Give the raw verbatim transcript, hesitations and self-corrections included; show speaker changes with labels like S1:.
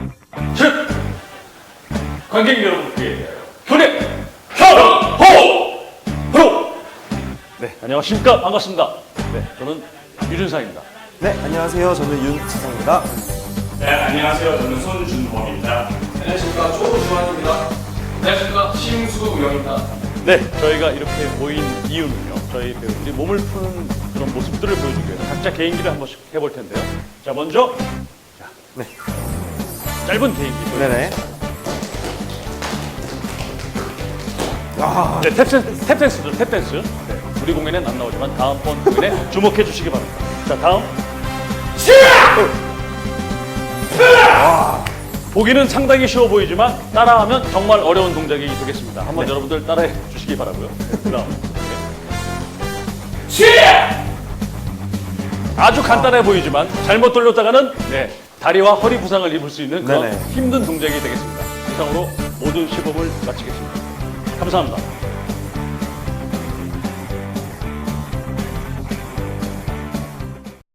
S1: 즉 관객 여러분께 교대 현호 프로. 네, 안녕하십니까. 반갑습니다. 네, 저는 유준상입니다.
S2: 네, 안녕하세요. 저는 윤지성입니다.
S3: 네, 안녕하세요. 저는 손준범입니다.
S4: 안녕하십니까. 조주환입니다. 안녕하십니까. 심수영입니다.
S1: 네, 저희가 이렇게 모인 이유는요, 저희 배우들이 몸을 푸는 그런 모습들을 보여주기 위해서 각자 개인기를 한 번씩 해볼 텐데요. 자, 먼저 자,
S2: 네.
S1: 짧은 개인기.
S2: 네네. 아,
S1: 네, 탭댄스, 탭댄스죠, 탭댄스. 네, 우리 공연엔 안 나오지만 다음번 공연에 주목해 주시기 바랍니다. 자, 다음. 보기는 상당히 쉬워 보이지만 따라하면 정말 어려운 동작이 되겠습니다. 한번
S2: 네.
S1: 여러분들 따라해 주시기 바라고요. 네, 그 다음. 아주 간단해 보이지만 잘못 돌렸다가는 네, 다리와 허리 부상을 입을 수 있는 그런
S2: 네네.
S1: 힘든 동작이 되겠습니다. 이상으로 모든 시범을 마치겠습니다. 감사합니다.